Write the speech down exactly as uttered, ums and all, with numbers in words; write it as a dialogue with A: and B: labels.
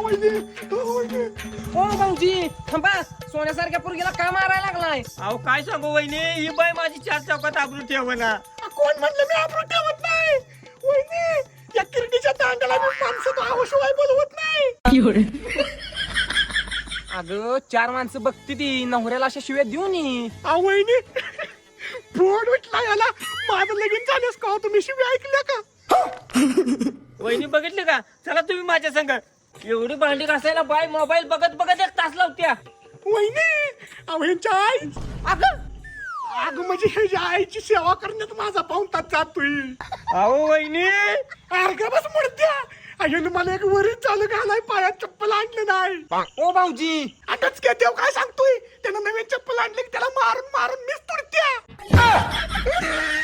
A: ओ भाऊजी थांबा, सोन्यासारख्या पोरगीला का मारायला लागलाय?
B: अहो काय सांगू वहिनी, ही बाई माझी चार चौकात आबरू ठेव ना.
C: कोण म्हणलं मी आबरू ठेवत नाही? वहिनी, या किरडीच्या दांडाला मी माणसं आवाशिवाय बोलवत नाही.
A: अगं चार माणसं बघती ती, नवऱ्याला अशा शिव्या देऊ नये.
C: अहो वहिनी, फोड उठला याला. माझं लगीन झाल्यास का हो, तुम्ही शिवी ऐकल्या का?
B: वहिनी बघितली का? चला तुम्ही माझ्या संग. एवढी भांडी घासायला बाय मोबाईल बघत बघत एक तास लावत्या.
C: वहिनी, अहो ह्यांच्या आई अगं अगं म्हणजे ह्याच्या आईची सेवा करण्यात माझा पाऊन तास जातोय.
B: अहो वहिनी,
C: अर्धा बस मुडत्या. अय्यानं मला एक वरीच चालू घालाय, पायात चप्पल आणलं नाही.
A: ओ भाऊजी,
C: आताच काय देव काय सांगतोय? त्यानं नवीन चप्पल आणली की त्याला मारून मारून मीच तुडत्या.